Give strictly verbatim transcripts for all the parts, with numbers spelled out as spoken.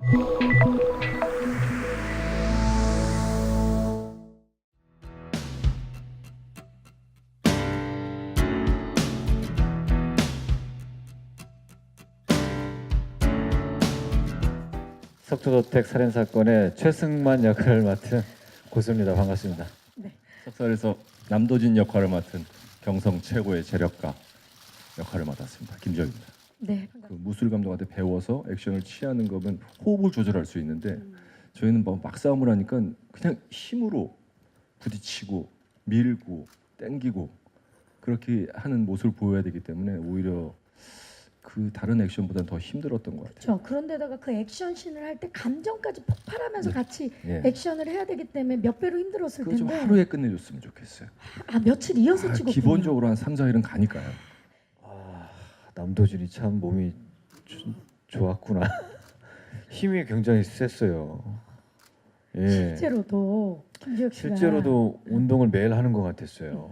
석조저택 살인 사건의 최승만 역할을 맡은 고수입니다. 반갑습니다. 네. 석살에서 남도진 역할을 맡은 경성 최고의 재력가 역할을 맡았습니다. 김정입니다. 네. 그 무술 감독한테 배워서 액션을 취하는 거면 호흡을 조절할 수 있는데 음. 저희는 뭐 막싸움을 하니까 그냥 힘으로 부딪히고 밀고 땡기고 그렇게 하는 모습을 보여야 되기 때문에 오히려 그 다른 액션보다는 더 힘들었던 것 같아요. 그렇죠. 그런데다가 그 액션씬을 할 때 감정까지 폭발하면서 네. 같이 예. 액션을 해야 되기 때문에 몇 배로 힘들었을 그거 좀 텐데. 하루에 끝내줬으면 좋겠어요. 아, 며칠 이어서 아, 찍었군요. 기본적으로 한 삼, 사 일은 가니까요. 아, 남도진이 참 몸이 조, 좋았구나. 힘이 굉장히 셌어요. 예. 실제로도 김지혁 씨가 실제로도 운동을 매일 하는 것 같았어요.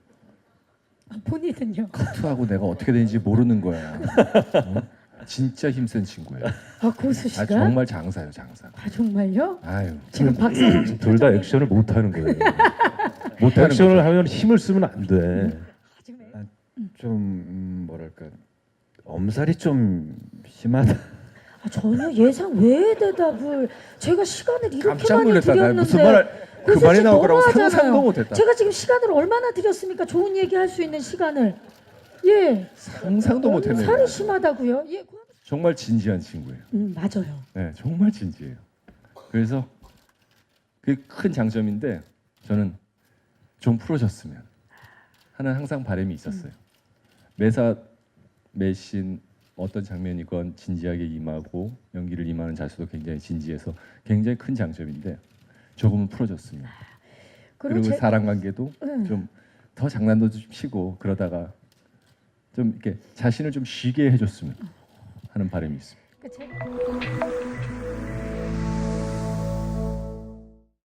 아, 본인은요? 투하고 내가 어떻게 되는지 모르는 거야. 어? 진짜 힘센 친구예요. 아, 고수 씨가? 아, 정말 장사요, 장사. 아, 정말요? 아유, 지금 박사님 씨 둘 다 표정이- 액션을 못 하는 거예요. 못하는 액션을 거죠. 하면 힘을 쓰면 안 돼. 아, 지금 애- 좀 음, 뭐랄까 엄살이 좀 심하다. 아, 전혀 예상 외의 대답을 제가 시간을 이렇게 깜짝 많이 놀랐다. 나 드렸는데 무슨 말 그 고수 말이 씨 나올 거라고 너무하잖아요. 상상도 못했다. 제가 지금 시간을 얼마나 드렸습니까? 좋은 얘기 할 수 있는 시간을. 예. 상상도 못했네요. 살이 심하다고요? 예. 고- 정말 진지한 친구예요. 음, 맞아요. 네, 정말 진지해요. 그래서 그게 큰 장점인데 저는 좀 풀어졌으면 하는 항상 바람이 있었어요. 매사 매신 어떤 장면이건 진지하게 임하고 연기를 임하는 자세도 굉장히 진지해서 굉장히 큰 장점인데 조금은 풀어졌으면. 그리고 제- 사람 관계도 음. 좀 더 장난도 좀 치고 그러다가 좀 이렇게 자신을 좀 쉬게 해줬으면 하는 바람이 있습니다. 그 제가